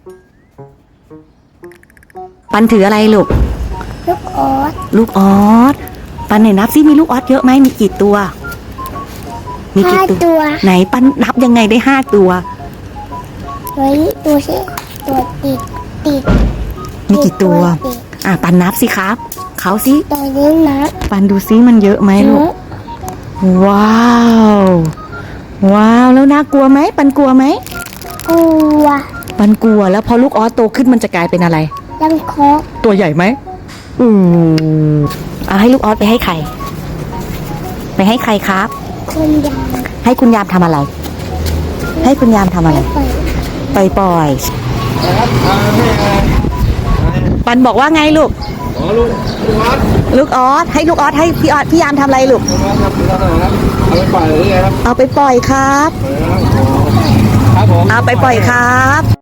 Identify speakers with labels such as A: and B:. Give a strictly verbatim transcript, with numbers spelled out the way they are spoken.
A: ปันถืออะไรลูก
B: ลูกออส
A: ลูกออสปันไหนนับซิมีลูกออสเยอะไหมมีกี่ตัว มีกี่
B: ห้า
A: ตัว
B: ตัว
A: ไหนปันนับยังไงได้ห้าตัว
B: เฮ้ยตัวสิตัวติดติด
A: มีกี่ตัว
B: ติด
A: อ่ะปันนับสิครับเขาสิ
B: ตัวนี้นะ
A: ปันดูซิมันเยอะไหมลูกว้าวว้าวแล้วน่ากลัวไหมปันกลัวไหม
B: กลัว
A: ปันกลัวแล้วพอลูกออสโตขึ้นมันจะกลายเป็นอะไร
B: ลังคก
A: ตัวใหญ่ไหมอืมเอาให้ลูกออสไปให้ใคร ไปให้ใครครับ
B: คนยาว
A: ให้คุณยามทำอะไร ให้คุณยามทำอะไร
B: ไป
A: ปล่อยปล่อยปันบอกว่าไงลูก
C: อ๋อลูกลูกออส
A: ลูกออสให้ลูกออสให้พี่ออสพี่ยามทำอะไรลูก
C: ลูกออสครับลูกออสครับเอาไปปล่อยหรือไงครับ
A: เอาไปปล่อยครับ
C: ครับผม
A: เอาไปปล่อยครับ